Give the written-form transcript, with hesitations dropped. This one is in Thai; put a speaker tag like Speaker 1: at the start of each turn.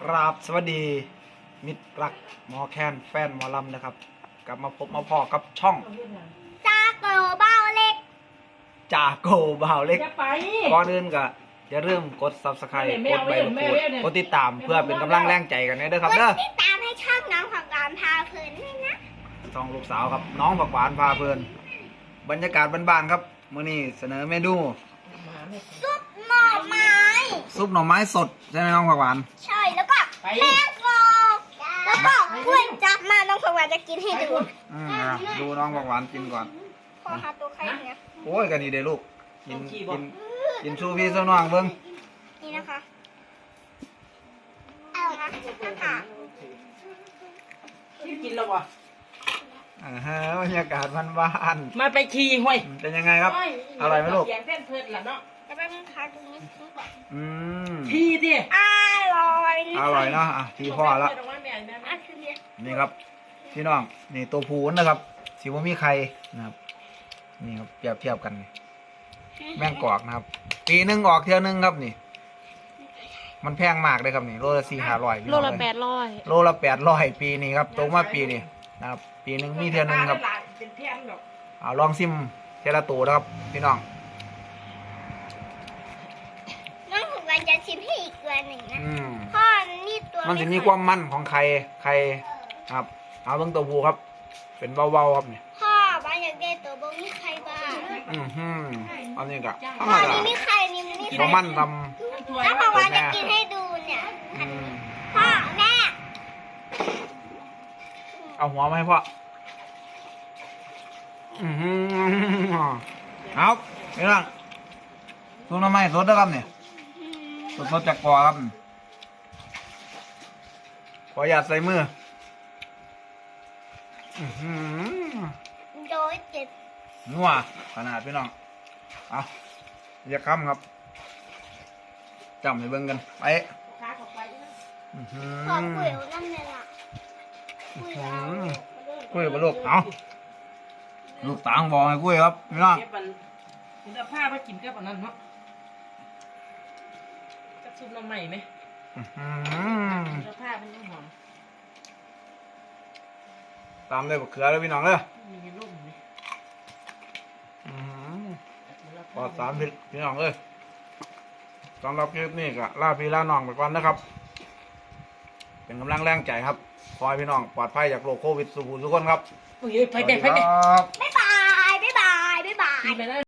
Speaker 1: ราบสวัสดีมิตรรักหมอแคนแฟนหมอลำนะครับกลับมาพบมาพอกับช่อง
Speaker 2: จาโกเบ้าเล็ก
Speaker 1: จ่าโกบ่าวเล็กก่อนอื่นก็อย่าลืมกด Subscribe กดใบมะกรูดกดติดตามเพื่อเป็นกำลังแรงใจกันเด้อครับเด้อ
Speaker 2: ติดตามให้ช่องน้องของการพาเพลินด้วยนะ
Speaker 1: ช่องลูกสาวครับน้องผักหวานพาเพลินบรรยากาศบ้านๆครับมื้อนี้เสนอเมนู
Speaker 2: ซุปหน่อไม้
Speaker 1: สดใช่ไหมน้องผักหวาน
Speaker 2: ใช่แล้วก็แป้งกรอบแล้วก็กล้วยจับมาน้องผักหวานจะกินให้ดู
Speaker 1: ดูน้องผักหวานกินก่อน
Speaker 2: พอหาตัวใครเนี่ย
Speaker 1: โอ้ยกันนี่เด้อลูกกินชูพี่สู้น้องเบิ่ง
Speaker 2: นี่นะคะเอานะคะ
Speaker 3: กินแล้ววะ
Speaker 1: บรรยากาศบ้าน
Speaker 3: ๆมาไปขี่ห้วย
Speaker 1: เป็นยังไงครับอร่อยไหมลูก
Speaker 3: เสียงเต้นเพลินล่ะเนาะ
Speaker 2: จะไปมึงค้าตรงนี้
Speaker 3: ขี่ดิ
Speaker 2: อร่อย
Speaker 1: เนาะทีพ่อแล้วนี่ครับพี่น้องนี่ตัวผูนนะครับสิว่ามีใครนะครับนี่ครับเปรียบเทียบกันแม่งกอกนะครับปีนึงออกเที่ยวนึงครับนี่มันแพงมากเลยครับนี่โลละ400-500
Speaker 4: โลละ800
Speaker 1: โลละ800ปีนี้ครับตกมาปีนี้นะครับปีนึงมีเที่ยวนึงครับเอาลองซิมเทละตัวนะครับพี่น้อง
Speaker 2: น้องผักหวานจะชิมให้อีกตัวหนึ่งนะพ่อนี่ตัว
Speaker 1: มันจะมีความมันของไข่ครับเอาเบิ่งตัวผูครับเป็นเบาๆครับนี่
Speaker 2: พ่อบ้านอยากได้ตัวบ่มีใครบ้าง
Speaker 1: อันนี้ก็
Speaker 2: พ่อนี่มีใครนี่มีใคร
Speaker 1: มันท
Speaker 2: ำแล้วผักหวานจะกินให้ดูเนี่ยพ่อแม่
Speaker 1: เอาหัวมาให้พ่อเอานี่ล่ะซุปน้ำมันสดนะครับเนี่ยสดจากกอครับขอหยาดใส่มือ
Speaker 2: โดยเจ็บ
Speaker 1: นัวขนาดพี่น้องเอาอย่าค้ำครับจำให้เบิ่งกันไป
Speaker 2: ขอคุยกับน้ำเลยล่ะ
Speaker 1: คุยกับลูกเอาลูกต่างบอกให้คุยครับพี่น้อง
Speaker 3: คุณเอาผ้ามากินกับอันนั้นเนาะกับซุปน้ำใหม่ไหมเอาผ้าเป็นน้ำหอม
Speaker 1: ตามด้วยบักเขือเลยพี่น้องเลย
Speaker 3: มีร่มไหม
Speaker 1: ปลอดสารพิษพี่น้องเลยสำหรับคลิปนี้ก็ลาพี่ลาน้องไปก่อนนะครับเป็นกำลังแรงใจครับขอให้พี่น้องปลอดภัยจากโรคโควิดทุกคนครับ
Speaker 3: ไป
Speaker 2: บ๊ายบาย